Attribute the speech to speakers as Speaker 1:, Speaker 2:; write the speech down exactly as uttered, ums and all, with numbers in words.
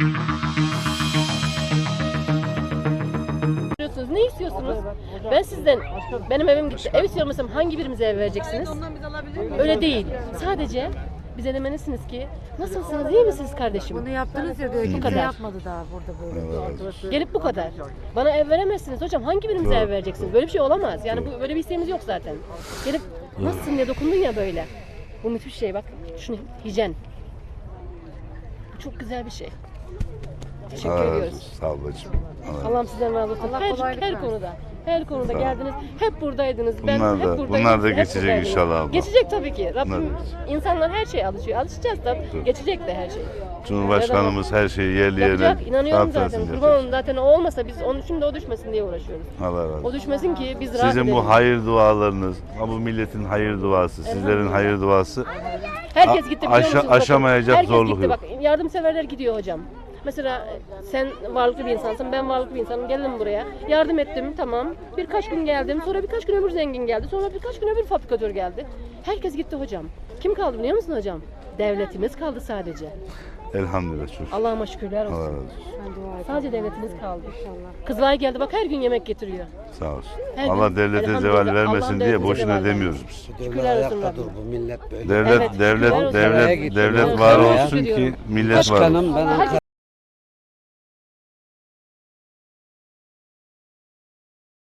Speaker 1: Ne istiyorsunuz? Ben sizden, benim evim gitti. Ev istiyorum mesela, hangi birimize ev vereceksiniz? Öyle değil. Sadece bize demelisiniz ki, nasılsınız, iyi misiniz kardeşim?
Speaker 2: Bunu yaptınız ya diyor. Kimse
Speaker 1: kadar.
Speaker 2: yapmadı daha burada böyle.
Speaker 1: Gelip bu kadar. Bana ev veremezsiniz hocam. Hangi birimize ev vereceksiniz? Böyle bir şey olamaz. Yani bu, böyle bir isteğimiz yok zaten. Gelip nasılsın diye dokundun ya böyle. Bu müthiş şey bak. Şunu hijyen. Bu çok güzel bir şey. Teşekkür
Speaker 3: Allah razı
Speaker 1: ediyoruz.
Speaker 3: olsun. Sağ ol bacım. Allah
Speaker 1: Allah'ım sizden razı olsun.
Speaker 2: Allah
Speaker 1: Her,
Speaker 2: kolaylık
Speaker 1: her
Speaker 2: versin.
Speaker 1: konuda. Her konuda geldiniz. Hep buradaydınız. Ben
Speaker 3: Bunlar
Speaker 1: hep
Speaker 3: da-
Speaker 1: buradaydım.
Speaker 3: bunlar da
Speaker 1: hep
Speaker 3: geçecek
Speaker 1: buradaydınız.
Speaker 3: inşallah abla.
Speaker 1: Geçecek tabii ki. Rabbim,
Speaker 3: Bunlar da
Speaker 1: insanlar her şeye alışıyor. Alışacağız da geçecek de her şey.
Speaker 3: Cumhurbaşkanımız her şeyi yerli yerine
Speaker 1: Yapacak. İnanıyorum
Speaker 3: rahat
Speaker 1: zaten.
Speaker 3: versin
Speaker 1: Kurban
Speaker 3: yapacak.
Speaker 1: olun, zaten o olmasa biz onun şimdi o düşmesin diye uğraşıyoruz.
Speaker 3: Allah razı olsun.
Speaker 1: O düşmesin ki biz rahat
Speaker 3: Sizin
Speaker 1: edelim.
Speaker 3: bu hayır dualarınız, ha bu milletin hayır duası, sizlerin hayır duası
Speaker 1: Herkes gitti biliyor
Speaker 3: aşa-
Speaker 1: musunuz? Bakın,
Speaker 3: aşamayacak
Speaker 1: herkes
Speaker 3: zorluk
Speaker 1: gitti.
Speaker 3: yok.
Speaker 1: Bak, yardımseverler gidiyor hocam. Mesela sen varlıklı bir insansın, ben varlıklı bir insanım. Geldim buraya. Yardım ettim, tamam. Birkaç gün geldim. Sonra birkaç gün öbür zengin geldi. Sonra birkaç gün öbür fabrikatör geldi. Herkes gitti hocam. Kim kaldı biliyor musun hocam? Devletimiz kaldı sadece.
Speaker 3: Elhamdülillah çok.
Speaker 1: Allah'ıma şükürler
Speaker 3: Allah
Speaker 1: olsun.
Speaker 3: razı olsun.
Speaker 1: Sadece devletimiz kaldı. Kızılay geldi bak, her gün yemek getiriyor.
Speaker 3: Sağ olsun.
Speaker 1: Her
Speaker 3: Allah
Speaker 1: gün
Speaker 3: devlete
Speaker 1: elhamdülillah,
Speaker 3: zeval
Speaker 1: Allah'ın
Speaker 3: vermesin diye
Speaker 1: devletine
Speaker 3: boşuna
Speaker 1: zeval
Speaker 3: demiyoruz biz.
Speaker 1: Şükürler olsun
Speaker 4: Ayakta dur,
Speaker 1: Rabbim.
Speaker 4: bu millet böyle.
Speaker 3: Devlet
Speaker 1: Evet,
Speaker 3: devlet
Speaker 1: şükürler olsun.
Speaker 3: devlet
Speaker 4: Evet,
Speaker 3: devlet
Speaker 1: evet.
Speaker 3: var
Speaker 1: Evet,
Speaker 3: olsun ki
Speaker 1: ediyorum.
Speaker 3: millet var olsun.
Speaker 4: Başkanım ben Ankara